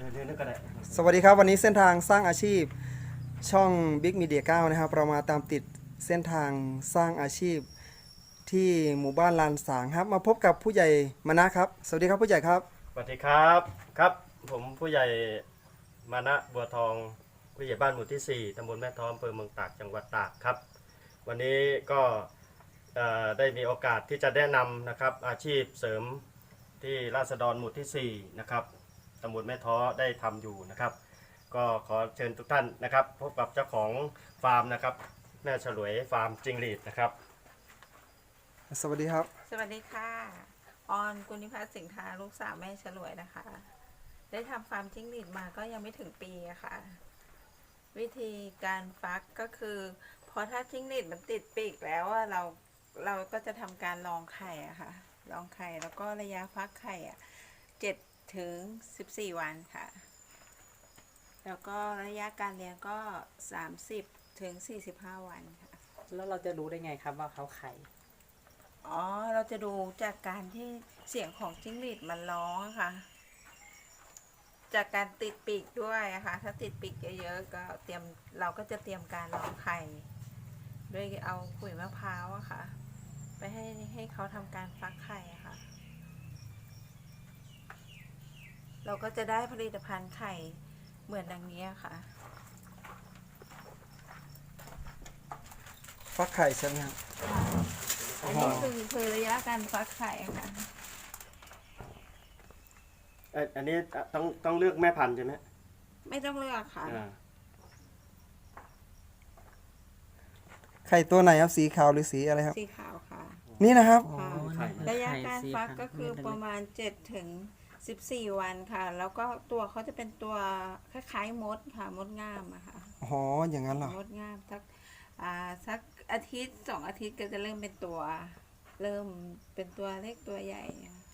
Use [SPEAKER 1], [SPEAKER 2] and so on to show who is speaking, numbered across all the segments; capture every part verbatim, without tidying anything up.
[SPEAKER 1] สวัสดีครับวันนี้เส้นทางสร้างอาชีพช่อง Big Media เก้านะครับเรามาตามติดเส้นทางสร้างอาชีพที่หมู่บ้านลานสางครับมาพบกับผู้ใหญ่มณะครับสวัสดีครับผู้ใหญ่ครับ
[SPEAKER 2] สวัสดีครับครับผมผู้ใหญ่มณะบัวทองผู้ใหญ่บ้านหมู่ที่สี่ตำบลแม่ท้ออำเภอเมืองตากจังหวัดตากครับวันนี้ก็ได้มีโอกาสที่จะแนะนำนะครับอาชีพเสริมที่ราษฎรหมู่ที่สี่นะครับตำบลแม่ท้อได้ทำอยู่นะครับก็ขอเชิญทุกท่านนะครับพบกับเจ้าของฟาร์มนะครับแม่ฉลวยฟาร์มจิงหรีดนะครับ
[SPEAKER 1] สวัสดีครับ
[SPEAKER 3] สวัสดีค่ะออนกุณิพัฒน์สิงห์ทาลูกสาวแม่ฉลวยนะคะได้ทำฟาร์มจิ้งหรีดมาก็ยังไม่ถึงปีอะค่ะวิธีการฟักก็คือพอถ้าจิ้งหรีดมันติดปีกแล้วอะเราเราก็จะทำการลองไข่อะค่ะลองไข่แล้วก็ระยะฟักไข่อะเจ็ดถึงสิบสี่วันค่ะแล้วก็ระยะการเลี้ยงก็สามสิบถึงสี่สิบห้าวันค่ะ
[SPEAKER 4] แล้วเราจะรู้ได้ไงครับว่าเขาไข่
[SPEAKER 3] อ๋อเราจะดูจากการที่เสียงของจิ้งหรีดมันร้องค่ะจากการติดปีกด้วยนะคะถ้าติดปีกเยอะๆก็เตรียมเราก็จะเตรียมการรองไข่ด้วยเอาขุยมะพร้าวอะค่ะไปให้ให้เขาทำการฟักไข่อะค่ะเราก็จะได้ผลิตภัณฑ์ไข่เหมือนดังนี้ค่ะ
[SPEAKER 1] ฟักไข่ใช่ไหมครับ
[SPEAKER 3] อันนี้คือคือระยะการฟักไข่ค่ะ
[SPEAKER 2] อันนี้ต้องต้องเลือกแม่พันธุ์ใช่ไหม
[SPEAKER 3] ไม่ต้องเลือกค่ะ
[SPEAKER 1] ไข่ตัวไหนครับสีขาวหรือสีอะไรครับ
[SPEAKER 3] สีขาวค่ะ
[SPEAKER 1] นี่นะครับ
[SPEAKER 3] ระยะการฟักก็คือประมาณเจ็ดถึงสิบสี่วันค่ะแล้วก็ตัวเขาจะเป็นตัวคล้ายๆมดค่ะมดงามอะค่ะ
[SPEAKER 1] อ๋ออย่างนั้นเหรอ
[SPEAKER 3] มดงามสักอ่าสักอาทิตย์สองอาทิตย์ก็จะเริ่มเป็นตัวเริ่มเป็นตัวเล็กตัวใหญ่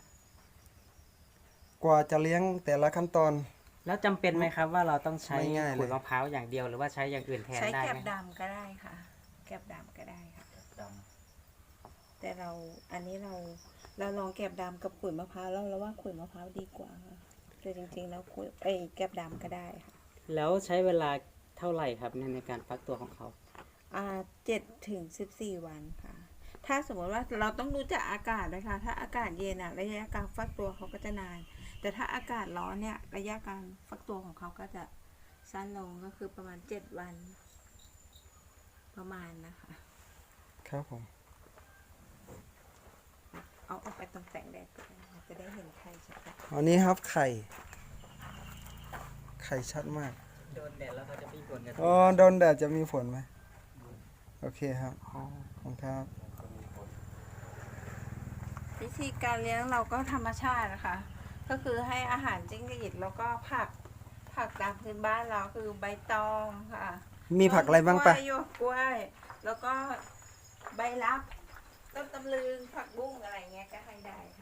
[SPEAKER 1] กว่าจะเลี้ยงแต่ละขั้นตอน
[SPEAKER 4] แล้วจำเป็นไหมครับว่าเราต้องใช้
[SPEAKER 1] ไม่ง่ายเลย
[SPEAKER 4] ขุยมะพร้าวอย่างเดียวหรือว่าใช้อย่างอื่นแทน
[SPEAKER 3] ใช้
[SPEAKER 4] ได้
[SPEAKER 3] แกบ
[SPEAKER 4] ไหม
[SPEAKER 3] ดำก็ได้ค่ะแกบดำก็ได้ค่ะแต่เราอันนี้เราเราลองแกบดำกับขุยมะพร้าวแล้วเราว่าขุยมะพร้าวดีกว่าค่ะแต่จริงๆแล้วขุยไอ้แกบดำก็ได้ค่ะ
[SPEAKER 4] แล้วใช้เวลาเท่าไหร่ครับในการฟักตัวของเขา
[SPEAKER 3] อ่าเจ็ดถึงสิบสี่วันค่ะถ้าสมมติว่าเราต้องดูจากอากาศนะคะถ้าอากาศเย็นอะระยะการฟักตัวเขาก็จะนานแต่ถ้าอากาศร้อนเนี่ยระยะการฟักตัวของเขาก็จะสั้นลงก็คือประมาณเจ็ดวันประมาณนะคะ
[SPEAKER 1] ครับผม
[SPEAKER 3] เอาออกไปตรงแสงแดดจะได้เห็นไข่ชัดๆ
[SPEAKER 1] อันนี้ครับไข่ไข่ชัดมาก
[SPEAKER 4] โดนแดดแล้วเขาจะมีผลกัน
[SPEAKER 1] อ๋อโดนแดดจะมีผลไหมโอเคครับอ๋อขอบคุณครับ
[SPEAKER 3] วิธีการเลี้ยงเราก็ธรรมชาตินะคะก็คือให้อาหารจิ้งหรีดแล้วก็ผักผักตามพื้นบ้านเราคือใบตองค่ะ
[SPEAKER 1] มีผักอะไรบ้างปะ
[SPEAKER 3] หยวกกล้วยแล้วก็ใบลับต้นตำลึงผักบุ้งอะไรเงี้ยก็ให้ได้ค่ะ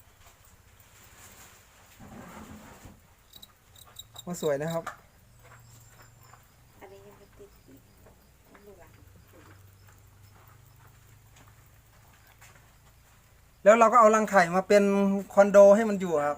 [SPEAKER 1] มาสวยนะครับ
[SPEAKER 3] อันนี้ยังไม่ติดอีกดูหลัง
[SPEAKER 1] แล้วเราก็เอารังไข่มาเป็นคอนโดให้มันอยู่ครับ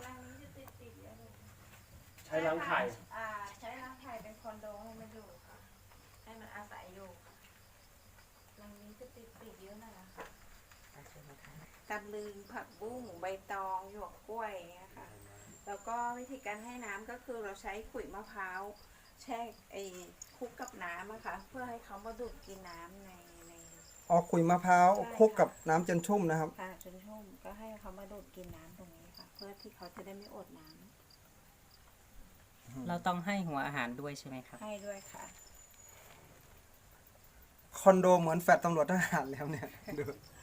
[SPEAKER 2] ใช้รังไข่
[SPEAKER 3] อ่าใช้รังไข่เป็นคอนโดให้มันอยู่ค่ะให้มันอาศัยอยู่รังนี้จะติดปีกเยอะหน่อยนะคะตำลึงผักบุ้งใบตองหยวกกล้วยอย่างเงี้ยค่ะแล้วก็วิธีการให้น้ำก็คือเราใช้ขุยมะพร้าวแช่ไอ้คลุกกับน้ำอะค่ะเพื่อให้เขามาดูดกินน้ำในใน
[SPEAKER 1] ออกขุยมะพร้าวคลุกกับน้ำจนชุ่มนะครับ
[SPEAKER 3] ค่ะจนชุ่มก็ให้เขามาดูดกินน้ำตรงนี้ค่ะเพื่อที่เขาจะได้ไม่อดน้
[SPEAKER 4] ำเราต้องให้หัวอาหารด้วยใช่ไหมครับ
[SPEAKER 3] ให้ด้วยค่ะ
[SPEAKER 1] คอนโดเหมือนแฟลตตำรวจทหารแล้วเนี่ยดู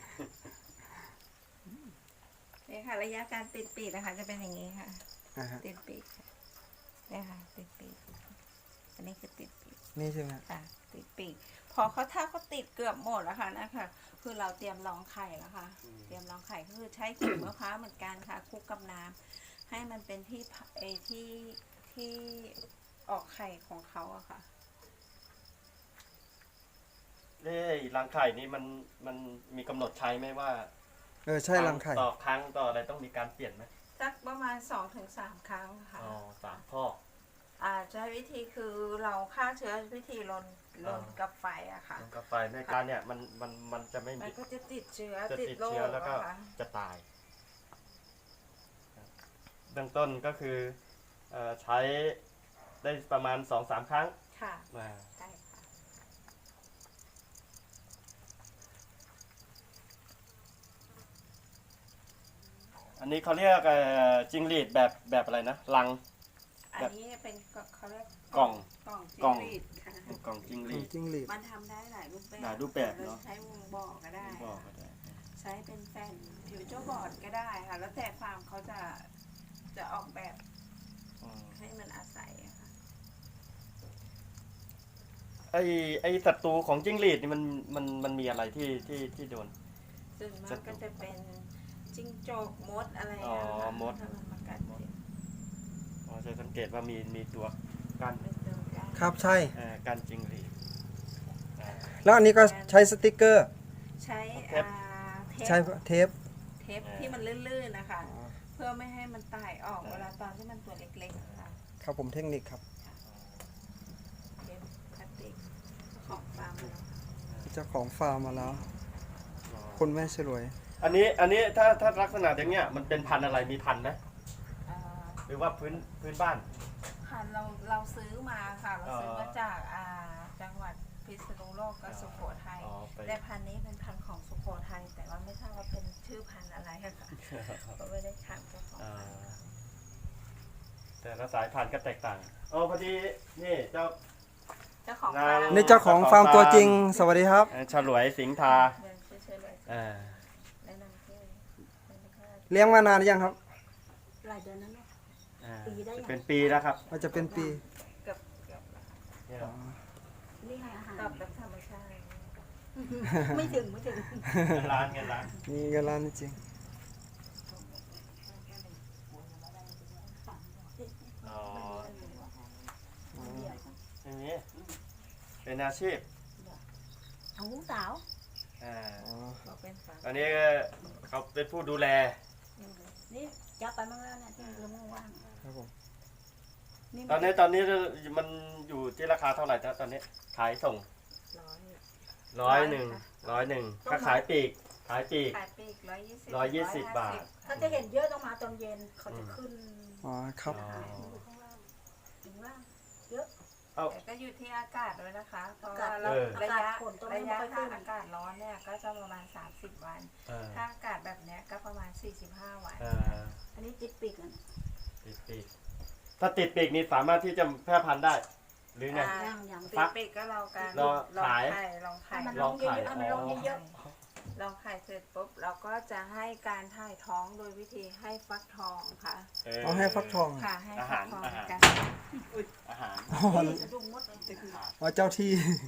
[SPEAKER 3] นี่ค่ะระยะการติดปีกนะคะจะเป็นอย่างนี้ค่ะติดปีกเนี่ยค่ะติดปีกอันนี้คือติดปีก
[SPEAKER 1] นี่ใช่ไหม
[SPEAKER 3] ค่ะติดปีกพอเขาถ้าเขาติดเกือบหมดแล้วค่ะนะคะคือเราเตรียมรองไข่แล้วค่ะเตรียมรองไข่ก็คือใช้ขุยมะพร้าวเหมือนกันค่ะคลุกกับน้ำให้มันเป็นที่ไอที่ที่ออกไข่ของเขาอะค่ะ
[SPEAKER 2] เอ้รังไข่นี้มันมันมีกำหนดใช้ไหมว่า
[SPEAKER 1] เออใช่รังไข่
[SPEAKER 2] ต่อครั้งต่ออะไรต้องมีการเปลี่ยนไหม
[SPEAKER 3] สักประมาณสองถึงสามครั้งค่ะ
[SPEAKER 2] อ๋อสามข้อ
[SPEAKER 3] อ่าใช้วิธีคือเราฆ่าเชื้อวิธีลนลนกับไฟอะค่ะ
[SPEAKER 2] ลงกาไฟในการเนี่ยมันมันมันจะไม่
[SPEAKER 3] มัน
[SPEAKER 2] มี
[SPEAKER 3] ก็จะติดเชื้อ
[SPEAKER 2] จะ
[SPEAKER 3] ติด
[SPEAKER 2] ติด
[SPEAKER 3] โร
[SPEAKER 2] เชื้อ
[SPEAKER 3] ค
[SPEAKER 2] แล้วก็
[SPEAKER 3] อะค่ะ
[SPEAKER 2] จะตายเบื้องต้นก็คือเอ่อใช้ได้ประมาณสองสามครั้ง
[SPEAKER 3] ค่ะ
[SPEAKER 2] มา
[SPEAKER 3] ใช่ค่ะ
[SPEAKER 2] อันนี้เขาเรียกเอ่อจิงหรีดแบบแบบอะไรนะลัง
[SPEAKER 3] อัน
[SPEAKER 2] แบบ
[SPEAKER 3] นี้เป็นเขาเรียก
[SPEAKER 2] กล่อง
[SPEAKER 3] กล่อง
[SPEAKER 2] กล่อง
[SPEAKER 3] จิ้งหรีดค่ะ
[SPEAKER 2] กล่องจิงห
[SPEAKER 1] ขอ
[SPEAKER 2] รี
[SPEAKER 1] ง
[SPEAKER 2] ด
[SPEAKER 1] จิ้งหรีด
[SPEAKER 3] มันทำได้หลายรูปแบบ
[SPEAKER 2] หลายรูปแบบเนอะ
[SPEAKER 3] ใช้วงบอกก็ได้
[SPEAKER 2] บอกก็ได้
[SPEAKER 3] ใช้เป็นแผ่นผิวเจ้าบอร์ดก็ได้ค่ะ แล้วแต่ฟาร์มเขาจะจะออกแบบ
[SPEAKER 2] อืม
[SPEAKER 3] ให้มันอาศัยอะค่ะ
[SPEAKER 2] ไอไอศัตรูของจิ้งหรีดนี่มันมันมันมีอะไรที่ที่ที่โดน
[SPEAKER 3] ซึ่งมั
[SPEAKER 2] จะ
[SPEAKER 3] นก็จะเป็นจิ้งจกมดอะไร
[SPEAKER 2] อ๋อ
[SPEAKER 3] อะค่ะ
[SPEAKER 2] มด
[SPEAKER 3] ถ้ามันมากัดเนี่ย
[SPEAKER 2] อ๋อจะสังเกตว่ามีมีตัวกั้น
[SPEAKER 3] เป็นตัวการ
[SPEAKER 1] ครับใช่
[SPEAKER 2] เอ่อกั้นจิ้งหรีดอ่า
[SPEAKER 1] แล้วอันนี้ก็ใช้สติกเกอร์
[SPEAKER 3] ใช้
[SPEAKER 2] เทป
[SPEAKER 3] อ่าเท
[SPEAKER 1] ใช้
[SPEAKER 3] ป
[SPEAKER 1] เทป
[SPEAKER 3] เทปที่มันลื่นๆนะคะ เพื่อไม่ให้มันตายออกเวลาตอนที่มันตัวเล็กๆอะค่ะ
[SPEAKER 1] ครับผมเทคนิคครับ
[SPEAKER 3] เทปพลาสติกของฟาร์มเรา
[SPEAKER 1] เจ้าของฟาร์มมาแล้ว
[SPEAKER 2] อ๋อ
[SPEAKER 1] คุณแม่ฉลวย
[SPEAKER 2] อันนี้อันนี้ถ้าถ้าลักษณะอย่างเงี้ยมันเป็นพันธุ์อะไรมีพันธุ์ไหม
[SPEAKER 3] อ่า
[SPEAKER 2] หรือว่าพื้นพื้นบ้าน
[SPEAKER 3] ค่ะเราเราซื้อมาค่ะ เราซื้อ
[SPEAKER 2] อ๋อ
[SPEAKER 3] มาจากอ่าจังหวัดพิษณุโลกกับสุโขทัย
[SPEAKER 2] อ๋อไป
[SPEAKER 3] แต่พันธุ์นี้เป็นพันธุ์ของสุโขทัยแต่ว่าไม่ทราบว่าเป็นชื่อพันธุ์อะไรอะค่ะเพราะไม่ได้ถามเจ้าของ
[SPEAKER 2] อ่า
[SPEAKER 3] พันธุ์ค่ะ
[SPEAKER 2] แต่ละสายพันธุ์ก็แตกต่างอ๋อพอดีนี่เจ้า
[SPEAKER 3] เจ้าของ
[SPEAKER 2] นาง
[SPEAKER 3] ฟาร์ม
[SPEAKER 1] นี่เจ้าของฟาร์มตัวจริง สวัสดีครับ
[SPEAKER 2] เอ่อฉลวยสิงห์ทา
[SPEAKER 3] เดินเฉยๆเลย
[SPEAKER 2] อ่า
[SPEAKER 3] แนะนำที่เป็นค่า
[SPEAKER 1] เลี้ยงมานานหรือยังครับ
[SPEAKER 5] หลายเดือนนั้นเนาะ
[SPEAKER 2] อ่า
[SPEAKER 5] ปีได้ยัง
[SPEAKER 2] เป็นปีแล้วครับ
[SPEAKER 1] ว่าจะเป็นปี
[SPEAKER 3] เกือบเกือบ
[SPEAKER 2] เนี่ย
[SPEAKER 5] นี่ให้อาหาร
[SPEAKER 3] ตอบแบบธรรมชาติ
[SPEAKER 5] ไม่ถึงไม่ถึง
[SPEAKER 2] เงินล้านเงินล้าน
[SPEAKER 1] มีเงินล้านจริง
[SPEAKER 2] อ๋ออย่างนี้เป็นอาชีพ
[SPEAKER 5] ของลูกสาว
[SPEAKER 2] อ่า
[SPEAKER 1] อ๋อ
[SPEAKER 3] บอกเป็นฟาร์ม
[SPEAKER 2] อันนี้เขาเป็นผู้ดูแล
[SPEAKER 5] นี่จับไปมั่งแล้วเนี่ยที่เรื่องว่าง
[SPEAKER 1] ครับผม
[SPEAKER 5] ๆนี่
[SPEAKER 2] ตอนนี้ตอนนี้มันอยู่ที่ราคาเท่าไหร่นะตอนนี้ขายส่ง
[SPEAKER 3] ร้อย
[SPEAKER 2] ร้อยหนึ่งร้อยหนึ่งถ้าขายปีกขายปีก
[SPEAKER 3] ขายปีกร้อยยี่สิบ
[SPEAKER 2] ร้อยยี่สิบบาท
[SPEAKER 5] ถ้าจะเห็นเยอะต้องมาตอนเย็นเขาจะขึ้น
[SPEAKER 1] อ๋อครับ
[SPEAKER 2] อ๋อ
[SPEAKER 5] อยู่ข้างล่างถึงล่างเยอะ
[SPEAKER 2] เอา
[SPEAKER 3] แต่ก็อยู่ที่อากาศด้วยนะคะ เพราะ
[SPEAKER 5] อากา
[SPEAKER 3] ว่า
[SPEAKER 5] ศ
[SPEAKER 3] เรา
[SPEAKER 2] เออ
[SPEAKER 3] ระยะ
[SPEAKER 5] ฝนตก
[SPEAKER 3] ระยะ
[SPEAKER 5] ไม่ค่
[SPEAKER 3] ถ้า
[SPEAKER 5] อยขึ้น
[SPEAKER 3] อากาศร้อนเนี่ยก็จะประมาณสามสิบวัน
[SPEAKER 2] เออ
[SPEAKER 3] ถ้าอากาศแบบเนี้ยก็ประมาณสี่สิบห้าวัน
[SPEAKER 2] เออ
[SPEAKER 5] อันนี้ติดปีกอ่ะ
[SPEAKER 2] ติดปีกถ้าติดปีกนี่สามารถที่จะแพร่พันธุ์ได้ หรือไง
[SPEAKER 3] อ่า
[SPEAKER 5] ย่างอย่าง
[SPEAKER 3] ติ
[SPEAKER 2] ฟั
[SPEAKER 3] ด
[SPEAKER 2] ก
[SPEAKER 3] ปีกก็เราการ
[SPEAKER 2] รอ
[SPEAKER 3] ลอง
[SPEAKER 2] ขาย
[SPEAKER 3] ไข่ลองไข่
[SPEAKER 5] ให้มัน
[SPEAKER 2] ล
[SPEAKER 5] ล
[SPEAKER 2] อง
[SPEAKER 5] งเย
[SPEAKER 2] ขาย
[SPEAKER 5] อะๆให้มันลงเยอะ
[SPEAKER 3] ลองไข่เสร็จปุ๊บเราก็จะให้การถ่ายท้องโดยวิธีให้ฟักทองค่ะ
[SPEAKER 2] เออ
[SPEAKER 1] เอาให้ฟักทอง
[SPEAKER 3] ค่ะให้ฟักทอง
[SPEAKER 2] อาหาร
[SPEAKER 3] กัน
[SPEAKER 2] อาหาร
[SPEAKER 1] อ๋อ
[SPEAKER 5] ๆนี่สะดุ้งมดเลย
[SPEAKER 1] อ๋อเจ้าที่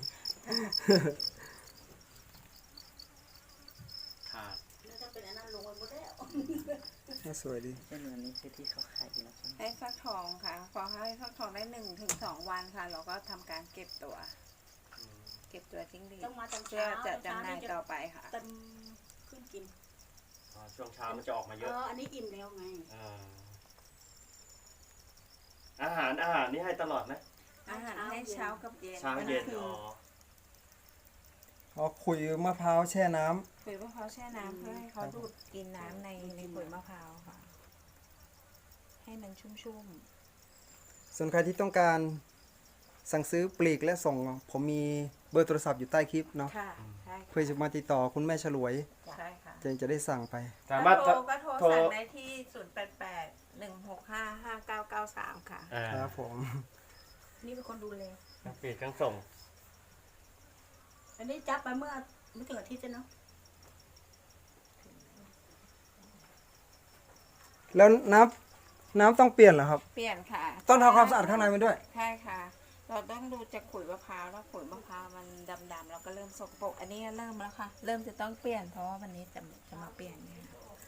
[SPEAKER 2] ขาด
[SPEAKER 5] แล้วถ้าเป็นอันนั้นลงไปหมดแล้ว
[SPEAKER 1] น่าสวยดี
[SPEAKER 4] เช่นวันนี้คือที่เขาขายอยู่แล้วใช่ไหม
[SPEAKER 3] ให้ฟักทองค่ะ พอให้ฟักทองได้หนึ่งถึงสองวันค่ะ เราก็ทำการเก็บตัว
[SPEAKER 2] อืม
[SPEAKER 3] เก็บตัวจิ้งหรีด
[SPEAKER 5] ต้องมาตอน
[SPEAKER 3] เพื่อ
[SPEAKER 5] เช้า
[SPEAKER 3] จะจำหน่ายต่อไปค่ะ
[SPEAKER 5] เต็มขึ้นกิน
[SPEAKER 2] อ๋อช่วงเช้ามันจะออกมาเย
[SPEAKER 5] เอ
[SPEAKER 2] อะ
[SPEAKER 5] ออันนี้อิ่มแล้วไง
[SPEAKER 2] าอาหารอาหารนี่ให้ตลอดไหม
[SPEAKER 3] อาหารให้เช้ากับเย็น
[SPEAKER 2] เช้าเย็น
[SPEAKER 3] คือ
[SPEAKER 2] อ๋อ
[SPEAKER 1] เอาขุยมะพร้าวแช่น้ำ
[SPEAKER 3] ขุยมะพร้าวแช่น้ำเพื่อให้เขาดูดกินน้ำในในขุยมะพร้าวค่ะ ให้มันชุ่ม
[SPEAKER 1] ส่วนใครที่ต้องการสั่งซื้อปลีกและส่ง ผมมีเบอร์โทรศัพท์อยู่ใต้คลิปเนาะ
[SPEAKER 3] ๆค่ะใช่
[SPEAKER 1] เพื่อจะมาติดต่อคุณแม่ฉลวย
[SPEAKER 3] ใช่ค่ะ
[SPEAKER 1] จะจะได้สั่งไป
[SPEAKER 2] สามารถ
[SPEAKER 3] ก็โทรก็โทร
[SPEAKER 2] โทร
[SPEAKER 3] สั่งได้ที่ศูนย์แปดแปดหนึ่งหกห้าห้าเก้าเก้าสามค่ะ
[SPEAKER 2] อ่า
[SPEAKER 1] ครับผม
[SPEAKER 5] นี่เป็นคนดูแล
[SPEAKER 2] ทั้งปีกทั้งส่ง
[SPEAKER 5] อันนี้จับไปเมื่อไม่ถึงอาทิตย์เนาะ
[SPEAKER 1] แล้วน้ำน้ำต้องเปลี่ยนเหรอครับ
[SPEAKER 3] เปลี่ยนค่ะ
[SPEAKER 1] ต้องทำความสะอาดข้างในมันด้วย
[SPEAKER 3] ใช่ค่ะ เราต้องดูจากขุยมะพร้าวแล้วขุยมะพร้าวมันดำๆเราก็เริ่มสกปรกอันนี้เริ่มแล้วค่ะ เริ่มจะต้องเปลี่ยนเพราะว่าวันนี้จะจะมาเปลี่ยนเนี่ย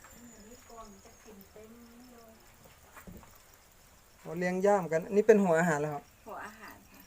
[SPEAKER 1] เราเลี้ยงย่ามกัน นี่เป็นหัวอาหารแล้วครับ
[SPEAKER 3] หัวอาหารค่ะ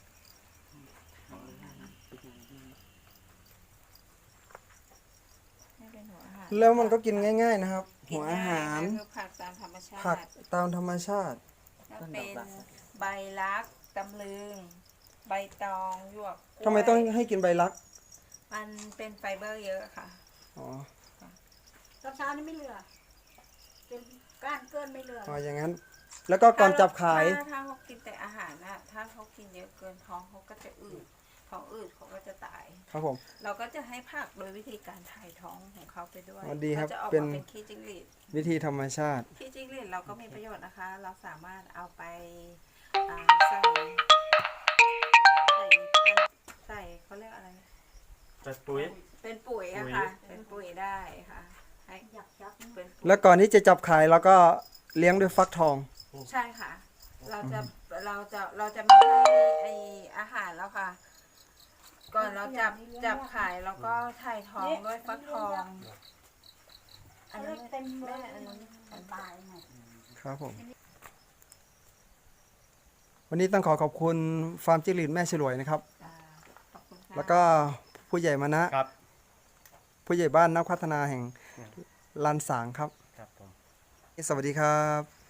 [SPEAKER 3] นี่เป็นหัวอาหาร
[SPEAKER 1] แล้วมันก็กินง่าย ๆนะครับ
[SPEAKER 3] กิน
[SPEAKER 1] หัวอาหาร
[SPEAKER 3] ง่ยค่ะคือผักตามธรรมชา
[SPEAKER 1] ผัก
[SPEAKER 3] ติ
[SPEAKER 1] ตามธรรมชาติ
[SPEAKER 3] ก็เป็นใบลักตำลึง ใบตองหยวกกล้วย
[SPEAKER 1] ทำไมต้องให้กินใบลัก
[SPEAKER 3] มันเป็นไฟเบอร์เยอะค่ะ
[SPEAKER 1] อ๋อ
[SPEAKER 5] ตอนเช้านี่ไม่เหลือเป็นก้านเกินไม่เหลือ
[SPEAKER 1] อ๋ออย่างนั้น แล้วก็ก่อนจับขาย
[SPEAKER 3] ถ้าถ้าเขากินแต่อาหารนะถ้าเขากินเยอะเกินท้องเขาก็จะอืดท้องอืดเขาก็จะตาย
[SPEAKER 1] ครับผม
[SPEAKER 3] เราก็จะให้ผักโดยวิธีการถ่ายท้องของเขาไปด้วย
[SPEAKER 1] อ๋อดีครับ
[SPEAKER 3] เขาจะออก
[SPEAKER 1] เป็น
[SPEAKER 3] มาเป็นขี้จิ้งหรีด
[SPEAKER 1] วิธีธรรมชาติ
[SPEAKER 3] ขี้จิ้งหรีดเราก็มีประโยชน์นะคะ เราสามารถเอาไปอ่าใส่ใส่เป็นใส่เขาเรียกอะไร
[SPEAKER 2] จัดปุ๋ย
[SPEAKER 3] เป็นปุ๋ยอะ
[SPEAKER 2] ปุ๋ย
[SPEAKER 3] ค่ะ เป็นปุ๋ยได้ค่ะให้
[SPEAKER 5] อยากจับนะ
[SPEAKER 3] เป็นปุ๋ย
[SPEAKER 1] แล้วก่อนที่จะจับขายเราก็เลี้ยงด้วยฟักทอง
[SPEAKER 3] ใช่ค่ะ เราจะเราจะเราจะไม่ให้ไออาหารแล้วค่ะ ก่อนเราจับจับขายแล้วก็ถ่ายท้องด้วยฟักทอง
[SPEAKER 5] อันนี้เต็มเลยอันนี้มันตายไง
[SPEAKER 1] ครับผม วันนี้ต้องขอขอบคุณฟาร์มจิ้งหรีดแม่ฉลวยนะครับ
[SPEAKER 3] อ่าขอบคุณค่ะ
[SPEAKER 1] แล้วก็ผู้ใหญ่มานะ
[SPEAKER 2] ครับ
[SPEAKER 1] ผู้ใหญ่บ้านนักพัฒนาแห่งลานสางครับ
[SPEAKER 2] ครับผม
[SPEAKER 1] สวัสดีครับ